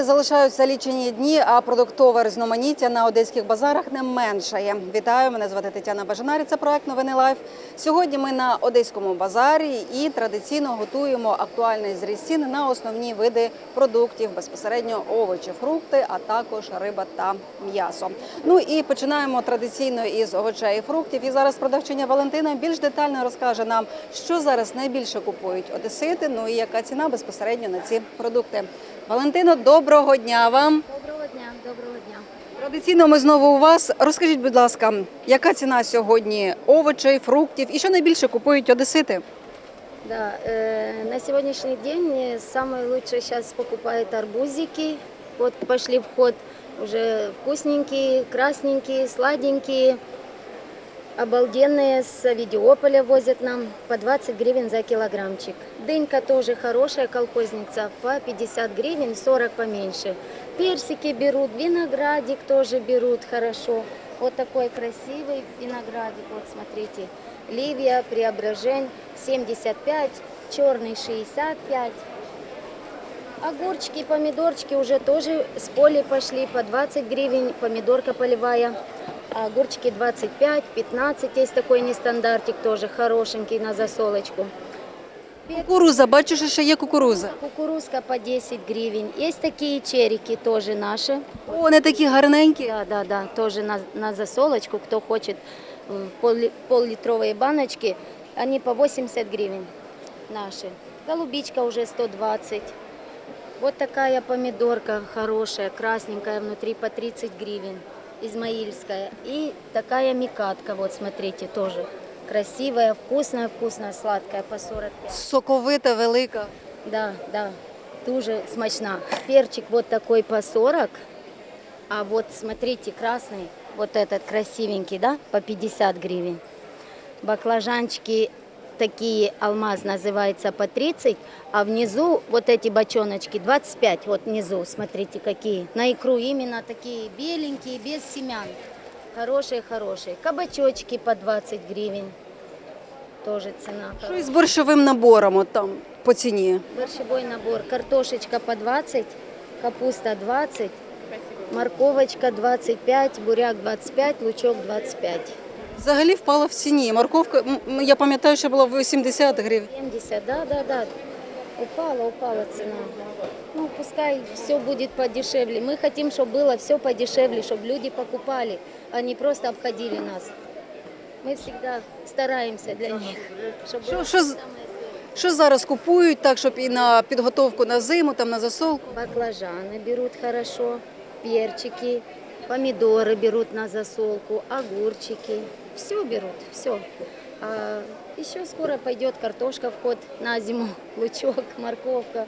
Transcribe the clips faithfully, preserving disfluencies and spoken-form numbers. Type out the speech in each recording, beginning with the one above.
залишаються лічені дні, а продуктове різноманіття на одеських базарах не меншає. Вітаю, мене звати Тетяна Бажанарі, це проект «Новини Лайф». Сьогодні ми на одеському базарі і традиційно готуємо актуальний зріз цін на основні види продуктів, безпосередньо овочі, фрукти, а також риба та м'ясо. Ну і починаємо традиційно із овочей і фруктів. І зараз продавчиня Валентина більш детально розкаже нам, що зараз найбільше купують одесити, ну і яка ціна безпосередньо на ці продукти. Валентино, доброго дня вам. Доброго дня, доброго дня. Традиційно ми знову у вас. Розкажіть, будь ласка, яка ціна сьогодні овочей, фруктів і що найбільше купують одесити? Да, э, на сегодняшний день самые лучшие сейчас покупают арбузики. Вот пошли в ход уже вкусненькие, красненькие, сладенькие, обалденные, с Авидиополя возят нам по двадцать гривен за килограммчик. Дынька тоже хорошая, колхозница, по пятьдесят гривен, сорок поменьше. Персики берут, виноградик тоже берут хорошо. Вот такой красивый виноградик, вот смотрите. Ливия, Преображень, семьдесят пять, черный шестьдесят пять. Огурчики, помидорчики уже тоже с поля пошли по двадцать гривен, помидорка полевая. А огурчики двадцать пять, пятнадцать, есть такой нестандартик тоже хорошенький на засолочку. Кукуруза, бачу, що ще є кукуруза. Кукурузка по десять гривен. Есть такие черики тоже наши. О, вони такі гарненькі. Да, да, да, тоже на, на засолочку, кто хочет в пол, пол-литровые баночки, они по восемьдесят гривен наши. Голубичка уже сто двадцать. Вот такая помидорка хорошая, красненькая, внутри по тридцать гривен, измаильская. И такая микатка, вот смотрите, тоже красивая, вкусная, вкусная, сладкая, по сорок пять. Соковита, велика. Да, да, тоже смачна. Перчик вот такой по сорок, а вот смотрите, красный, вот этот красивенький, да, по пятьдесят гривен. Баклажанчики такие, алмаз называется, по тридцать, а внизу вот эти бочоночки двадцать пять, вот внизу, смотрите, какие. На икру именно такие беленькие, без семян. Хорошие-хорошие. Кабачочки по двадцать гривен. Тоже цена. Що із борщовим набором от там по ціні? Борщевой набор. Картошечка по двадцать, капуста двадцать, морковочка двадцать пять, буряк двадцать пять, лучок двадцать пять. Взагалі впала в ціні. Морковка, м, я пам'ятаю, що була вісімдесят гривень. семьдесят, да, да, да. Упала, упала цена. Ну, пускай все будет подешевле. Мы хотим, чтобы было все подешевле, чтобы люди покупали, а не просто обходили нас. Мы всегда стараемся для них, чтобы Що, было що, з- самое що зараз купують так, щоб і на підготовку на зиму, там на засолку? Баклажаны берут хорошо, перчики, помидоры берут на засолку, огурчики. Все берут, все. А еще скоро пойдет картошка в ход на зиму, лучок, морковка.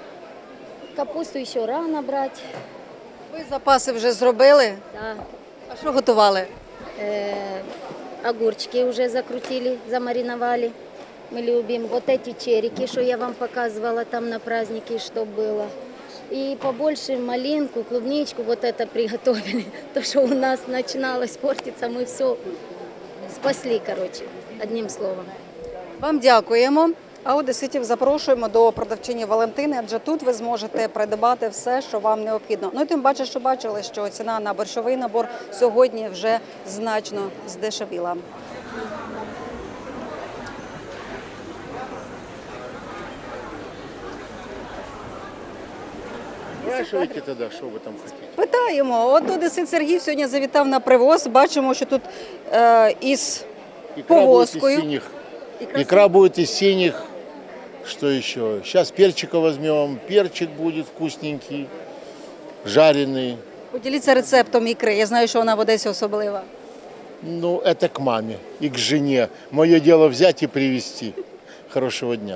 Капусту еще рано брать. Ви запаси вже зробили? Да. А що готували? Э, огурчики уже закрутили, замариновали. Мы любим. Вот эти черики, что я вам показывала там на празднике, что было. И побольше малинку, клубничку вот это приготовили. То, что у нас начиналось портиться, мы все спасли, короче, одним словом. Вам дякуємо. А одеситів запрошуємо до продавчині Валентини, адже тут ви зможете придбати все, що вам необхідно. Ну і тим паче, що бачили, що ціна на борщовий набор сьогодні вже значно здешевіла. Спрашивайте тогда, что вы там хотите. Питаємо. От одесит Сергій сьогодні завітав на привоз. Бачимо, що тут е, із Икра будет из повозкою. синих. Икра Икра будет из синих. Что еще? Сейчас перчика возьмем. Перчик будет вкусненький, жареный. Поділіться рецептом ікри. Я знаю, що вона в Одесі особлива. Ну, это к маме и к жене. Мое дело взять и привезти. Хорошего дня.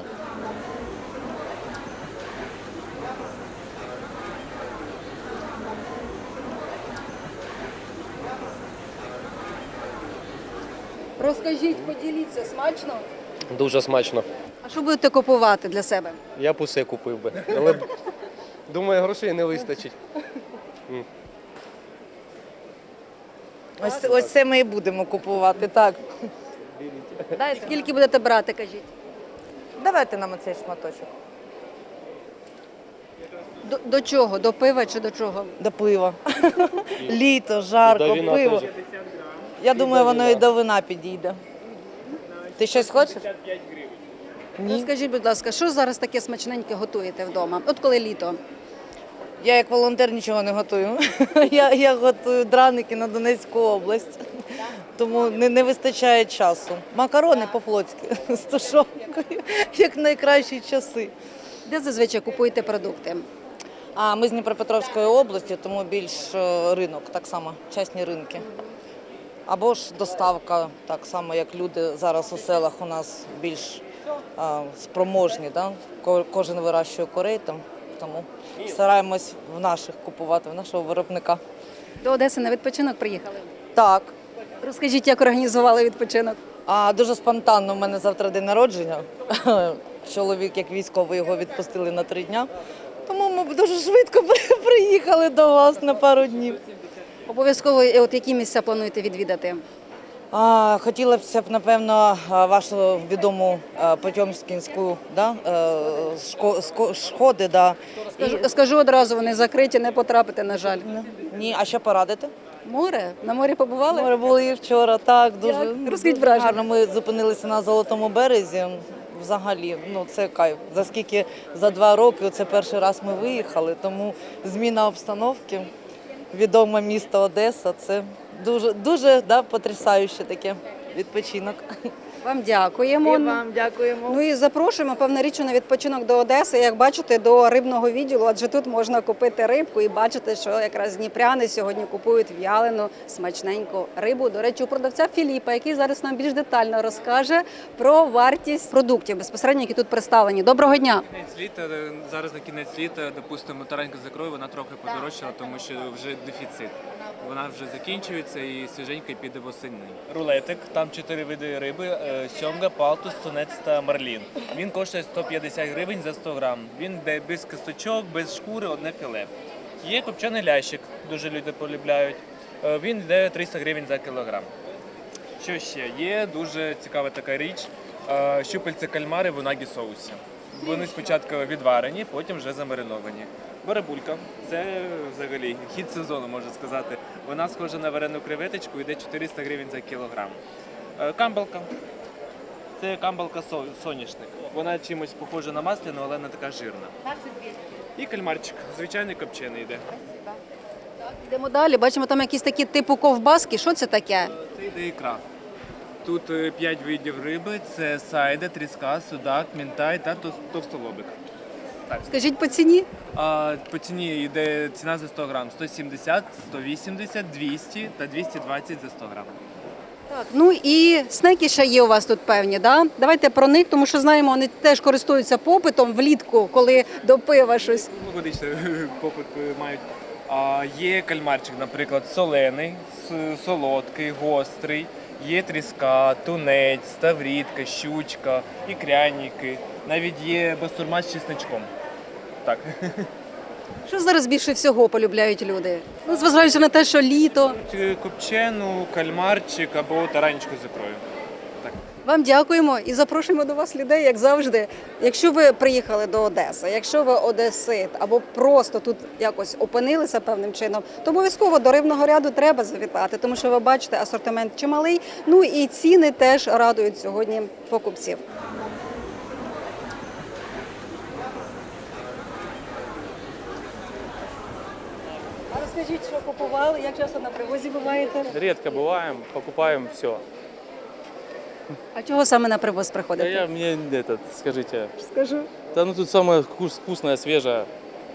Розкажіть, поділіться, смачно? Дуже смачно. А що будете купувати для себе? Я б усе купив би. Але думаю, грошей не вистачить. Ось, ось це ми і будемо купувати, так. Дайте, Скільки будете брати, кажіть? давайте нам оцей шматочок. До, до чого? До пива чи до чого? До пива. Літо, жарко, до вина пиво. теж. Я думаю, воно і до вина підійде. Ти щось хочеш? Ні. Розкажіть, будь ласка, що зараз таке смачненьке готуєте вдома? От коли літо? Я як волонтер нічого не готую. Я, я готую драники на Донецьку область, тому не, не вистачає часу. Макарони по-флотськи з тушонкою, як найкращі часи. Де зазвичай купуєте продукти? А ми з Дніпропетровської області, тому більш е, ринок, так само, частні ринки. Або ж доставка, так само, як люди зараз у селах у нас більш а, спроможні. Да? Ко- Кожен вирощує курей, там, тому стараємось в наших купувати, в нашого виробника. До Одеси на відпочинок приїхали? Так. Розкажіть, як організували відпочинок? А дуже спонтанно, у мене завтра день народження. Чоловік, як військовий, його відпустили на три дня. Тому ми дуже швидко при- приїхали до вас на пару днів. Обов'язково, е, от які місця плануєте відвідати? А, хотілося б, напевно, а, вашу відому а, Потьомкінську, да? е, шко- ско- сходи. Да? Скажу, скажу одразу, вони закриті, не потрапите, на жаль. І- Ні, а що порадити? Море? На морі побували? Ми були і вчора, так, дуже, Як? Розкажіть дуже враження. гарно. Ми зупинилися на Золотому березі. Взагалі, ну це кайф. За скільки за два роки це перший раз ми виїхали, тому зміна обстановки, відоме місто Одеса, це дуже, дуже да, потрясающе таке відпочинок. Вам дякуємо. дякуємо. Ну і запрошуємо, певна річ, на відпочинок до Одеси. Як бачите, до рибного відділу, адже тут можна купити рибку і бачите, що якраз дніпряни сьогодні купують в'ялену смачненьку рибу. До речі, у продавця Філіпа, який зараз нам більш детально розкаже про вартість продуктів безпосередньо, які тут представлені. Доброго дня! Кінець літа, зараз на кінець літа, допустимо, таранька закрою, вона трохи подорожчала, тому що вже дефіцит. Вона вже закінчується і свіженька піде восени. Рулетик, там чотири види риби: е, сьомга, палтус, тунець та марлін. Він коштує сто п'ятдесят гривень за сто грам. Він йде без кісточок, без шкури, одне філе. Є копчений лящик, дуже люди полюбляють. Е, Він йде триста гривень за кілограм. Що ще? Є дуже цікава така річ. е, Щупальці кальмари в унагі соусі. Вони спочатку відварені, потім вже замариновані. Барабулька – це взагалі хід сезону, можна сказати. Вона схожа на варену креветочку, йде чотириста гривень за кілограм. Е, Камбалка – це камбалка со- соняшник. Вона чимось похожа на масляну, але не така жирна. І кальмарчик, звичайний копчений йде. Йдемо далі. Бачимо там якісь такі типу ковбаски. Що це таке? Це йде ікра. Тут е, п'ять видів риби – це сайда, тріска, судак, мінтай та тос- товстолобик. Скажіть по ціні. А по ціні йде ціна за сто грам – сто сімдесят, сто вісімдесят, двісті та двісті двадцять за сто грам. Так, ну і снеки ще є у вас тут певні, да? Давайте про них, тому що знаємо, вони теж користуються попитом влітку, коли до пива щось. Логодично попит е, мають. А є кальмарчик, наприклад, солений, с- солодкий, гострий. Є тріска, тунець, ставрідка, щучка, ікряніки. Навіть є бастурма з чесничком. Так. Що зараз більше всього полюбляють люди? Ну, зважаючи на те, що літо. Чи Копчену, кальмарчик або таранечку з ікрою. Так. Вам дякуємо і запрошуємо до вас людей, як завжди. Якщо ви приїхали до Одеси, якщо ви одесит або просто тут якось опинилися певним чином, то обов'язково до рибного ряду треба завітати, тому що ви бачите, асортимент чималий, ну і ціни теж радують сьогодні покупців. А розкажіть, що купували, як часто на привозі буваєте? Редко бываем, покупаем все. А чого саме на привоз Да приходите? я мне этот, скажите, Скажу. да ну тут самое вкус- вкусное, свежее.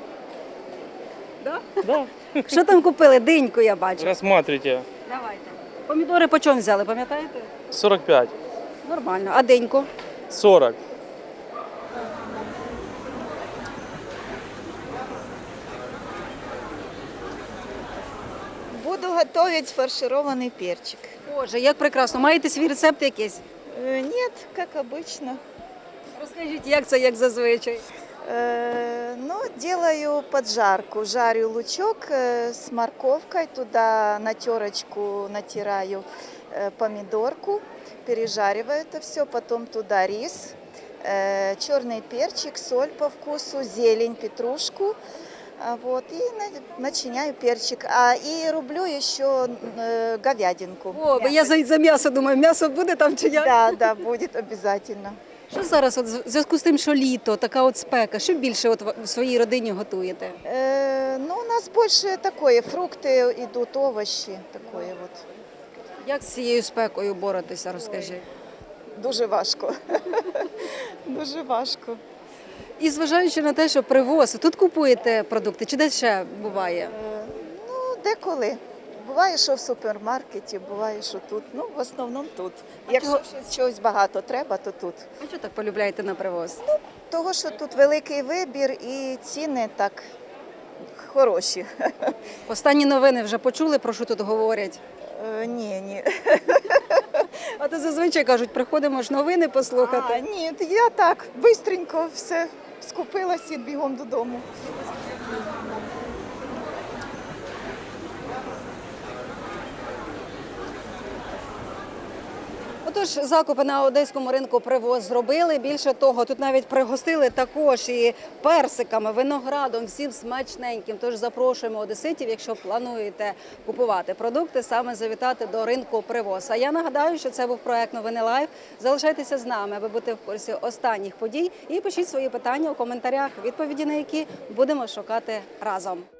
Да? Да. Що там купили? Диньку я бачу. Рассматривайте. Давайте. Помідори по чому взяли, пам'ятаєте? сорок пять, Нормально. А деньку? сорок. Буду готовить фаршированный перчик. Боже, як прекрасно. Маєте свій рецепт якийсь? Э, Нет, как обычно. Розкажіть, як це, як зазвичай. Э, Ну, делаю поджарку. Жарю лучок э, с морковкой, туда на терочку натираю э, помидорку, пережариваю это все, потом туда рис, э, черный перчик, соль по вкусу, зелень, петрушку, А вот, и на- начиняю перчик. А и рублю еще э, говядинку. О, бо я за, за м'ясо думаю, м'ясо буде там чи як? Да, да, будет обязательно. Що зараз, от, в зв'язку з тим, що літо, така от спека, що більше от в своїй родині готуєте? Э, ну, у нас больше такое, фрукты идут, овощи, такое вот. Як з цією спекою боротися, розкажи. Дуже важко. Дуже важко. І зважаючи на те, що привоз, тут купуєте продукти, чи де ще буває? Е, Ну, деколи. Буває, що в супермаркеті, буває, що тут. Ну, в основному тут. Якщо чого- щось, чогось багато треба, то тут. А що так полюбляєте на привоз? Того, що тут великий вибір і ціни так хороші. Останні новини вже почули, про що тут говорять? Е, Ні, ні. А то зазвичай кажуть, приходимо ж новини послухати. А, ні, я так, бистренько все скупилась і бігом додому. Отож, закупи на одеському ринку привоз зробили. Більше того, тут навіть пригостили також і персиками, виноградом, всім смачненьким. Тож запрошуємо одеситів, якщо плануєте купувати продукти, саме завітати до ринку привоз. А я нагадаю, що це був проект «Новини Лайв». Залишайтеся з нами, аби бути в курсі останніх подій. І пишіть свої питання у коментарях, відповіді на які будемо шукати разом.